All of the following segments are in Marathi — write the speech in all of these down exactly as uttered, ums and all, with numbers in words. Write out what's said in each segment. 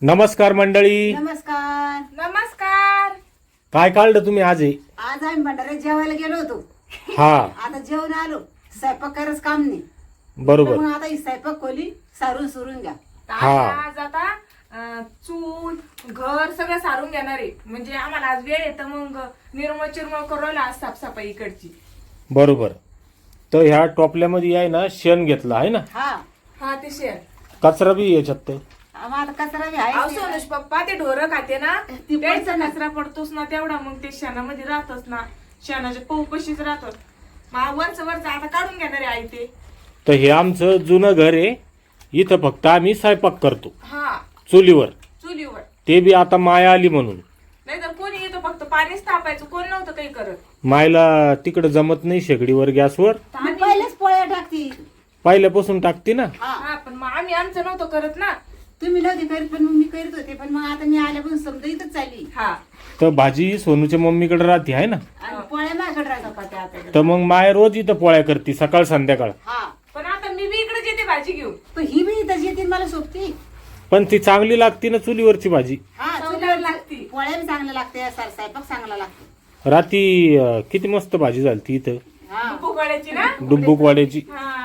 नमस्कार मंडळी. नमस्कार. नमस्कार. काय काढलं तुम्ही आज? आहे आज आम्ही भंडाऱ्यात जेवायला गेलो होतो. हा आता जेवण आलो. स्वयंपाक करायचं काम नाही. बरोबर. मग आता ही स्वयंपाक खोली सारून सुरून घ्या. हा. आज आता अं, चूल घर सगळं सारून घेणार आहे. म्हणजे आम्हाला आज वेळ येतं मग निर्मळ चिरमळ करू राहिला आज साफसफाई इकडची. बरोबर. तर ह्या टोपल्यामध्ये आहे ना शेण घेतलं आहे ना, हा हा ते शेण कचरा बी याच्यात. तर मग आता कचरा बी अहो आहे. सोनुष पप्पा ते ढोरं खाते ना ती त्याचा पडतं ना. कचरा पडतोच ना तेवढा मग ते शेणामध्ये राहतच ना. शेणाच्या पौपशीच राहतात. मग वरच वरच आता काढून घेणार आहे आई ते. तर हे आमचं जुनं घर आहे. इथं फक्त आम्ही स्वयंपाक करतो हा चुलीवर. चुलीवर. ते बी आता माया आली म्हणून. नाहीतर कोणी येतो फक्त पाणीच तापायचं, कोण नव्हतं काही करत. मायला तिकडं जमत नाही शेगडीवर गॅसवर. तर मी आम्ही- पहिलेच पोळ्या टाकती. पहिल्यापासून टाकते ना. हा हा पण मग आम्ही आमचं नव्हतं करत ना. तुम्ही नव्हती करीत पण मग मी करीत होते. पण मग आता मी आल्यापासून समजा इथंच चालली. हा तर भाजी सोनूच्या मम्मीकडे राहते आहे ना. आणि पोळ्या माझ्याकडे राहतात का त्या आता. तर मग माय रोज इथं पोळ्या करते सकाळ संध्याकाळ. हा पण आता मी बी इकडे येते भाजी घेऊन. पण ही बी इथंच येते मला सोबती. पण ती चांगली लागते ना चुलीवरची भाजी. हा चवदार चुलीवर लागती. पोळ्या बी चांगल्या लागते. सर स्वयंपाक चांगला लागतो. राती अं, किती मस्त भाजी झाली ती इथं हा पोकळ्याची ना. डुब्बुकवाड्याची. हा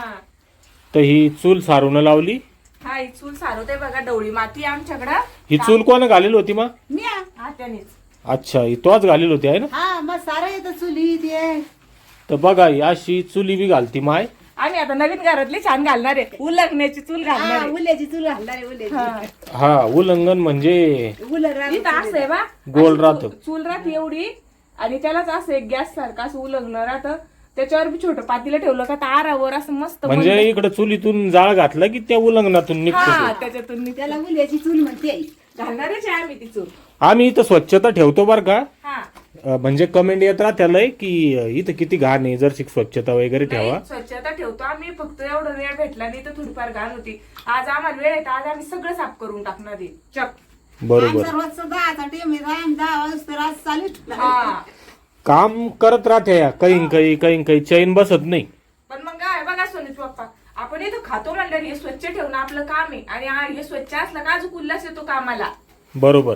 तर ही चूल सारून लावली. हा ही चूल सारवते बघा. डवळी माती आहे आमच्याकडं. ही चूल कोण घालेली होती मग? मी आ. हा त्यानेच. अच्छा, ही तोच घालेली होती आहे ना. हा मग सारं येतं चुली ते. तर बघा ही अशी चुली बी घालती माय. आम्ही आता नवीन घरातली छान घालणार आहे. उलगण्याची चूल घालणार हा आहे. उल्याची चूल घालणार आहे. हा. उल्याची हा उल्लंघन म्हणजे उलर इथं असं आहे बा. गोल अशी राहतं. चू- चूल राहते एवढी आणि त्यालाच असं एक गॅस सारखं असं उलगणं राहतं. त्याच्यावर बी छोटं पातीला ठेवलं का तारावर असं मस्त म्हणजे मंद- इकडे चुलीतून जाळ घातला की त्या उल्लंघनातून निघतो हा तो. त्याच्यातून मी त्याला उल्याची चूल म्हणते. घालणारच आहे आम्ही ती चूल. आम्ही इथं स्वच्छता ठेवतो बर का. हा अं, म्हणजे कमेंट येत राहत्यालय की अं, इथं किती घाण आहे, जर स्वच्छता वगैरे ठेवा. नाही, स्वच्छता ठेवतो आम्ही. फक्त एवढं वेळ भेटला नाही तर थोडीफार घाण होती. आज आम्हाला वेळ आहे तर आज आम्ही सगळं साफ करून टाकणार आहे. चक. बरोबर. आमचा रोजचा दहाचा टेम आहे. आम्ही दहा वाजता रात चालू हा काम करत राहते काही काही काही काही चैन बसत नाही. पण मग काय बघा सोनीच पप्पा, आपण इथं खातो म्हणल्यावर हे स्वच्छ ठेवणं आपलं काम आहे. आणि हा- हे स्वच्छ असलं का अजून उल्हास येतो कामाला. बरोबर.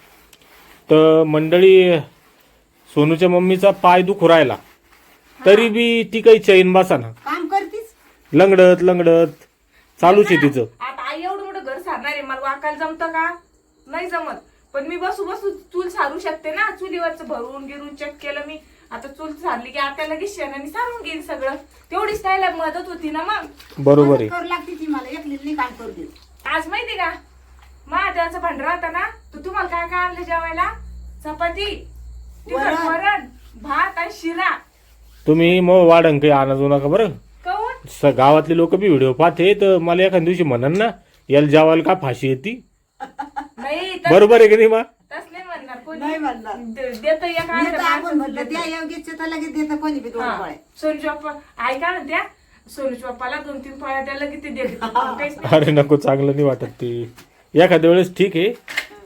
तर मंडळी सोनूच्या मम्मीचा पाय दुखू राहिला तरी बी ती काही चैन बसाना. काम करतीस. लंगडत लंगडत चालूच आहे तिचं. आता आई एवढं मोठं घर सारणार आहे, मला वाकायला जमतं का? नाही जमत. पण मी बसू बसू चूल सारू शकते ना. चुलीवरच भरून गिरून चेक केलं मी. आता चूल सारली की आता लगेच शेणाने सारून घेईन सगळं. तेवढीच त्याला मदत होती ना मग. बरोबर आहे. करू लागते ती मला एकलीच नाही काम करू देत. आज माहिती का महादेवाचा भंडारा होता ना, तर तुम्हाला काय काय आणलं जेवायला? चपाती, तिखट वरण. वरण, भात आणि शिरा. तुम्ही मग वाढन काही आणजू नका बरं. काऊन? स- गावातले लोक बी व्हिडिओ पाहते तर मला एखाद्या दिवशी म्हणन ना याला जेवायला का फाशी येते. नाही तस- बरोबर आहे की नाही मा? तस नाही म्हणणार कोणी. नाही म्हणणार. दे- देतं एक मी तर अर्ध्या आपण माणसाचं म्हणलं देतं. त्या योग्यच तर लगेच देतं कोणी बी दोन हा. पोळ्या. सोनूच्या पप्पा आई काय म्हणत्या, सोनूच्या पप्पाला दोन तीन पोळ्या द्यायला किती देते काहीच नाही. अरे नको, चांगलं नाही वाटत ते. एखाद्या वेळेस ठीक आहे.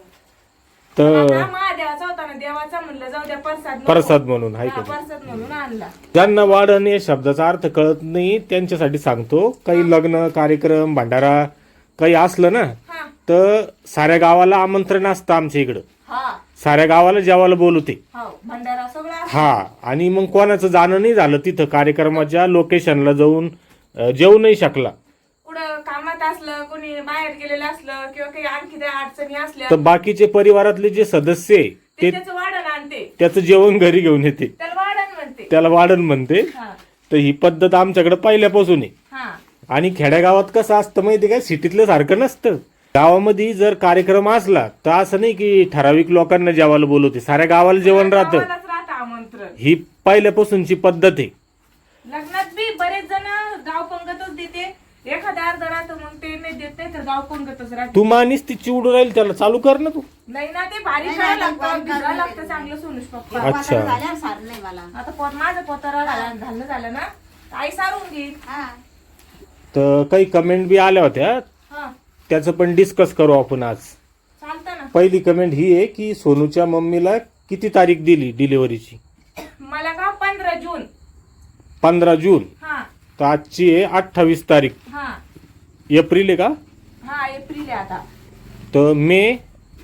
पण तर आता महादेवाचा होता ना, देवाचा म्हणलं जाऊ द्या प्रसाद नको. प्रसाद म्हणून आहे हा, का? प्रसाद म्हणून आणला. ज्यांना वाढण या शब्दाचा अर्थ कळत नाही त्यांच्यासाठी सांगतो. काही लग्न कार्यक्रम भंडारा काही असलं ना हा तर साऱ्या गावाला आमंत्रण असतं आमच्या इकडं. हा साऱ्या गावाला जेवायला बोलवते. हो भंडारा सगळा असतो. हा. आणि मग कोणाचं जाणं नाही झालं तिथं कार्यक्रमाच्या लोकेशनला जाऊन अं, जेवू नाही शकला कुठं कामात असलं, कोणी बाहेर गेलेलं असलं किंवा काही आणखी त्या अडचणी असल्या तर बाकीचे परिवारातले जे सदस्य आहे ते ते त्याचं वाढण आणते. त्याचं जेवण घरी घेऊन येते. त्याला वाढण म्हणते. त्याला वाढण म्हणते. हा तर ही पद्धत आमच्याकडे पहिल्यापासून आहे. हा आणि खेड्यागावात कसं असतं माहिती काय, सिटीतलं सारखं नसतं. गावामध्ये जर कार्यक्रम असला तर असं नाही की ठराविक लोकांना जेवायला बोलवते, साऱ्या गावाला जेवण राहतं. गावालाच राहतं आमंत्रण. ही पहिल्यापासूनची पद्धत आहे. लग्नात बी बरेच जण गाव पंगतच देते. एखादा अर्ध राहतं मग ते नाही देत, नाही तर गाव पंगतच राहते. तू मानीस ती चिवडू राहील त्याला चालू कर ना तू. नाही ना ते भारी नाही, करायला नाही, लागतं, बारीक भिजायला करायला लागतं लागतं. चांगलं सोनूश पप्पा. अच्छा. वाटाणा झाल्यावर सार नाही मला. आता पोत माझं पोतारा घाला- घालणं झालं ना, तर आई सारून घेईल. हा तर काही कमेंट बी आल्या होत्या, हा त्याचं पण डिस्कस करू आपण आज. चालतं ना. पहिली कमेंट ही आहे की सोनूच्या मम्मीला किती तारीख दिली डिलिव्हरीची? मला का पंधरा जून. पंधरा जून. हा तर आजची आहे अठ्ठावीस तारीख. हा एप्रिल आहे का? हा एप्रिल आहे आता. तर मे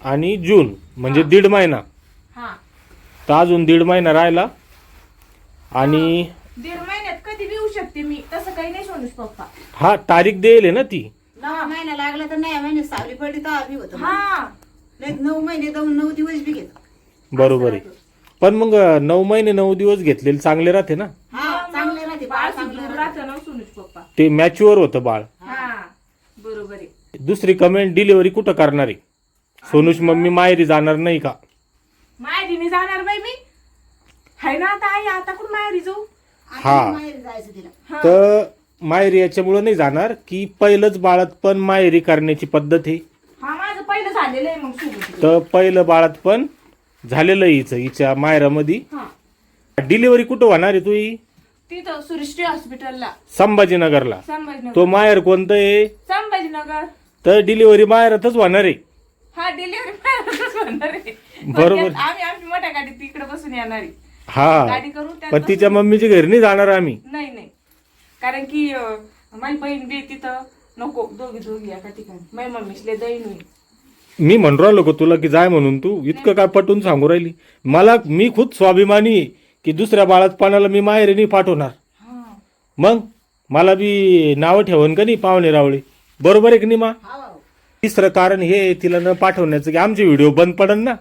आणि जून म्हणजे दीड महिना. हा तर अजून दीड महिना राहिला आणि दीड महिन्यात कधी बी येऊ शकते मी, तसं काही नाही सोनूच पप्पा. हा तारीख देईल ना ती. नऊ महिना लागला तर नाही महिने सावली पडली तर आम्ही होतो. हा नाही नऊ महिने जाऊन नऊ दिवस बी घेतो. बरोबर आहे. पण मग नऊ महिने नऊ दिवस घेतलेले चांगले राहते ना. हा चांगले राहते बाळ चांगलं राहते. राहतं ना सोनूच पप्पा. ते मॅच्युअर होतं बाळ. हा बरोबर आहे. दुसरी कमेंट, डिलिव्हरी कुठं करणार आहे? सोनूच मम्मी माहेरी जाणार नाही का? माहेरीने जाणार बाई मी, हाय ना आता आई, आता कुठं माहेरी जाऊ? आता हा. माहेरी जायचं तिला. हा. तर माहेरी याच्यामुळे नाही जाणार की पहिलंच बाळात पण माहेरी करण्याची पद्धत आहे. हा माझं पहिलं झालेलं आहे मग सुरू. तर पहिलं बाळात पण झालेलं आहे हिचं, हिच्या माहेरामध्ये. हा डिलिव्हरी कुठं होणार आहे तुही? तिथं सुरिश्री हॉस्पिटलला संभाजीनगरला. संभाजीनगर. तो माहेर कोणतं आहे? संभाजीनगर. तर डिलिव्हरी माहेरातच होणार आहे. हा डिलिव्हरी माहेरातच होणार आहे. बरोबर. पण आम्ही आमची मोठ्या गाडीत तिकडे बसून येणार आहे. हा गाडी करू त्यात पण तिच्या मम्मीच्या घरी नाही जाणार आम्ही. नाही नाही, कारण की अं, माझी बहीण बी तिथं नको, दोघी दोघी एका ठिकाणी. माझी मम्मीसले दैन होईल. मी म्हणून राहिलो का तुला की जाय म्हणून, तू इतकं काय पटून सांगू राहिली मला? मी खुद स्वाभिमानी आहे की दुसऱ्या बाळातपणाला मी माहेरी नाही पाठवणार. हा मग मला बी नावं ठेवून का नाही पाहुणे रावळे, बरोबर आहे की नाही मा? हा भाऊ. तिसरं कारण हे आहे तिला न पाठवण्याचं की आमचे व्हिडिओ बंद पडन ना.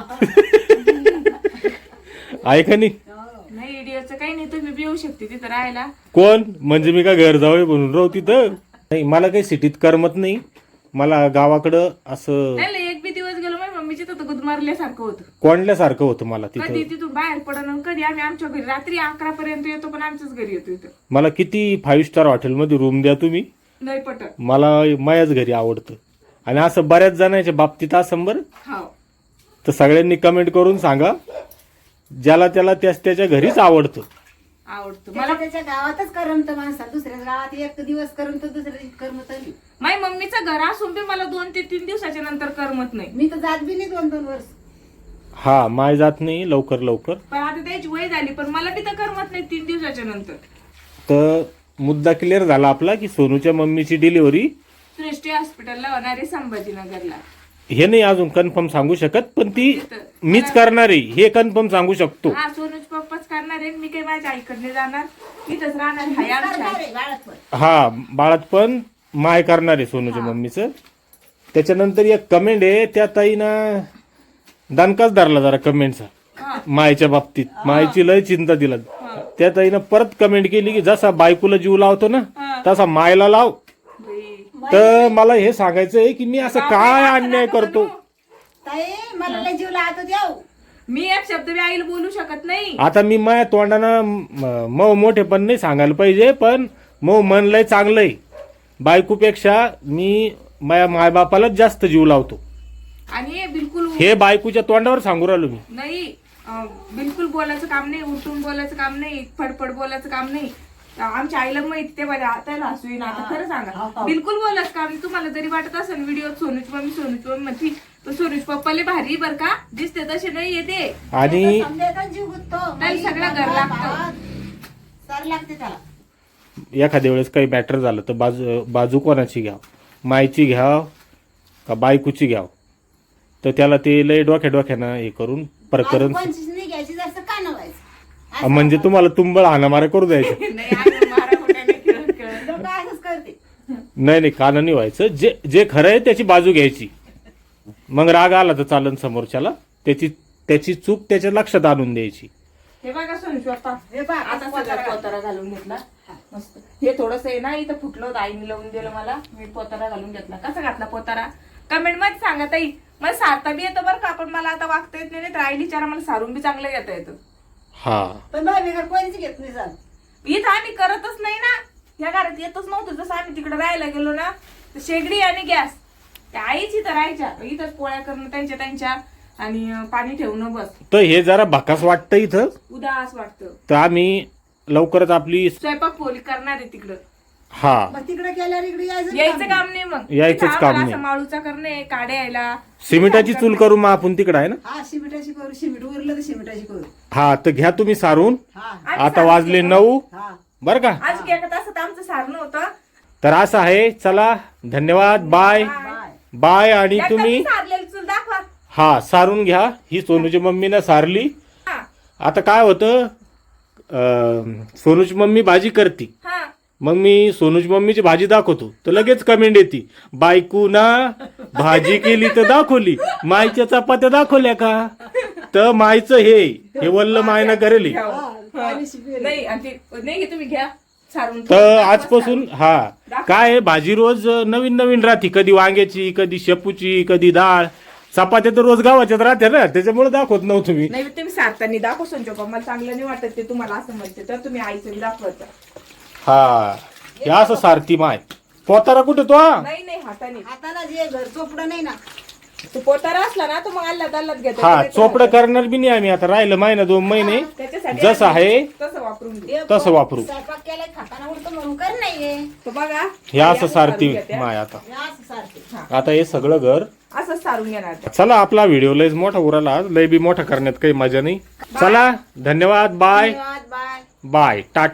आहे का नाही? नाही इडिओचं काही नाही, तुम्ही बी येऊ शकते तिथं राहायला. कोण म्हणजे मी का घर जावं म्हणून राहू तिथं? नाही, मला काही सिटीत करमत नाही. मला गावाकडं असं नाही नाही, एक बी दिवस गेलो माझ्या मम्मीची तर गुदमारल्यासारखं होतं. कोंडल्यासारखं होतं मला कधी तिथं. तिथून बाहेर पडणं आणि कधी आम्ही आमच्या घरी रात्री अकरा पर्यंत येतो, पण आमच्याच घरी येतो इथं. मला किती फाईव्ह स्टार हॉटेलमध्ये रूम द्या तुम्ही, नाही पटत. मला मायाच घरी आवडतं. आणि असं बऱ्याच जणांच्या बाबतीत असं बरं. हो तर सगळ्यांनी कमेंट करून सांगा, ज्याला त्याला त्याच त्याच्या घरीच आवडतं. आवडतं मला मला. त्याच्या गावातच करमत माणसा, दुसऱ्या गावात एक दिवस करमत दुसऱ्या दिवशी करमत नाही. माझ्या मम्मीचं घर असून बी मला दोन ते तीन दिवसाच्या नंतर करमत नाही. मी तर जात बी नाही दोन दोन वर्ष. हा माय जात नाही लवकर लवकर. पण आता त्याची वय झाली, पण मला बी तर करमत नाही तीन दिवसाच्या नंतर. तर मुद्दा क्लिअर झाला आपला की सोनूच्या मम्मीची डिलिव्हरी सृष्टी हॉस्पिटलला होणार आहे संभाजीनगरला. हे नाही अजून कन्फर्म सांगू शकत, पण ती मीच करणार आहे हे कन्फर्म सांगू शकतो. हा सोनूच पप्पाच करणार आहे. मी काही माझ्या आईकडे जाणार, इथंच राहणार. हाय आमच्या करणार आई. आहे बाळात पण. हा बाळात पण माय करणार आहे सोनूच्या मम्मीचं. त्याच्यानंतर एक कमेंट आहे त्या ताईनं दणकाच धरला जरा कमेंटचा हा. मायच्या बाबतीत. मायची लय चिंता दिला. त्या ताईनं परत कमेंट केली की जसा बायकोला जीव लावतो ना हा. तसा मायला लाव. बाई. तर मला हे सांगायचं आहे की मी असं काय अन्याय करतो. ताई मला लय जीव लावतो द्याव. मी एक शब्द बी आईला बोलू शकत नाही. आता मी माया तोंडानं म- मऊ मोठे पण नाही सांगायला पाहिजे, पण मऊ मन लय चांगलंय. बायकोपेक्षा मी माया मायबापालाच जास्त जीव लावतो. आणि हे बिलकुल हे बायकोच्या तोंडावर सांगू राहिलो मी. नाही, अं, बिलकुल बोलायचं काम नाही, उठून बोलायचं काम नाही, फडफड बोलायचं काम नाही. आमच्या आईला माहिती ते माझ्या त्याला हसू येईन. आता खरं सांगा, बिलकुल बोलायचं काम नाही. तुम्हाला जरी वाटत असेल व्हिडिओ सोनूच मम्मी सोनूच मम्मी म्हणती, तर सोनूच पप्पाले भारी बर का दिसते तसे नाही येते. आणि समजायचा जीव गुंततो. त्याला सगळं घर लागतं. सर लागते त्याला. एखाद्या वेळेस काही मॅटर झालं तर बाजू बाजू कोणाची घ्याव, मायची घ्याव का बायकोची घ्याव, तर त्याला ते लय डोक्या डोक्यानं हे करून प्रकरण. पंचवीस नाही घ्यायची जास्त का नवायचं. म्हणजे तुम्हाला तुंबळ हाणामारा करू द्यायचं. नाही आम्ही मारा खोट्याने खेळत खेळत. लोक असंच करते. नाही नाही कानानी व्हायचं. जे जे खरं आहे त्याची बाजू घ्यायची. मग राग आला तर चालन समोरच्याला, त्याची त्याची चूक त्याच्या लक्षात आणून द्यायची. हे बघा सोनूच पप्पा, हे बघ आता सगळा पोतारा घालून घेतला मस्त. हे थोडस आहे ना इथं फुटलं होतं, आईने लावून दिलं मला. मी पोतारा घालून घेतला. कसा घातला पोतारा कमेंट मध्ये सांगा ताई. मला सारता बी येतं बरं का, पण मला आता वागता येत नाही. तर आईली चारा मला सारून बी चांगलं घेता येतं. हा पण बाय बिगर कोणीच घेत नाही सांग. इथं आम्ही करतच नाही ना, या घरात येतच नव्हतं. जसं आम्ही तिकडे राहायला गेलो ना, तर शेगडी आणि गॅस त्या आईच इथं राहायच्या. इथंच पोळ्या करणं त्यांच्या त्यांच्या आणि अं, पाणी ठेवणं बस. तर हे जरा भकास वाटतं इथं. उदास वाटतं. तर आम्ही लवकरच आपली स्वयंपाक पोली करणार आहे तिकडं. हा मग तिकडे गेल्यावर इकडे यायचं यायचं काम नाही मग. यायचंच इथं काम आम्हाला नाही. असं माळूचा करणे, काड्या यायला. सिमेंटाची चूल करू मग आपण तिकडं आहे ना. हा शिमिटाची करू. शिमिट उरलं तर शिमिटाची करू. हा तर घ्या तुम्ही सारून. हा आम्ही आता सारं वाजले केलं. नऊ हा बर का. आज एका तासात आमचं सारणं होतं. तर असं आहे. चला धन्यवाद. Bye bye. बाय. बाय. आणि एकदा तुम्ही मी सारलेली चूल दाखवा. हा सारून घ्या. ही सोनूची मम्मीनं सारली. हा आता काय होतं, अं, सोनूची मम्मी भाजी करते, हा मग मी सोनूची मम्मीची भाजी दाखवतो तर लगेच कमेंट येते, बायकू ना भाजी केली तर दाखवली, मायच्या चपात्या दाखवल्या का? तर मायचं हे हे वल्ल मायनं करेल. घ्या. हा. नाही आणि ते- नाही की तुम्ही घ्या सारून. तर आजपासून हा काय आहे, भाजी रोज नवीन नवीन राहते, कधी वांग्याची, कधी शेपूची, कधी डाळ. चपात्या तर रोज गावाच्यात राहते ना, त्याच्यामुळे दाखवत नव्हतं मी. नाही तुम्ही सारताना दाखव संजोग, मला चांगलं नाही वाटत ते तुम्हाला असं म्हणते, तर तुम्ही आईचं दाखवायचं. हा हे असं सारथी माय. पोतारा कुठे तो? नाही नाही हाताने. हाताला जे घर चोपडं नाही ना. तो पोतारा असला ना तो मग अल्लाद अल्लाद घेतो. हा चोपडं करणार बी नाही आम्ही. आता राहिलं महिना दोन महिने, त्याच्यासाठी जसं आहे तसं वापरून घे. ते तसं वापरू. स्वयंपाक केलाय खाताना उलटं म्हणून कर नाहीये. तो बघा हे असं सारथी सारून घेते. माय. आता हे असं सारखे. आता हे सगळं घर. असं सारून घेणार ते. चला आपला व्हिडिओ लयच मोठा उराला आज, लय बी मोठा करण्यात काही मजा नाही. चला धन्यवाद. बाय धन्यवाद. बाय. बाय टाटा.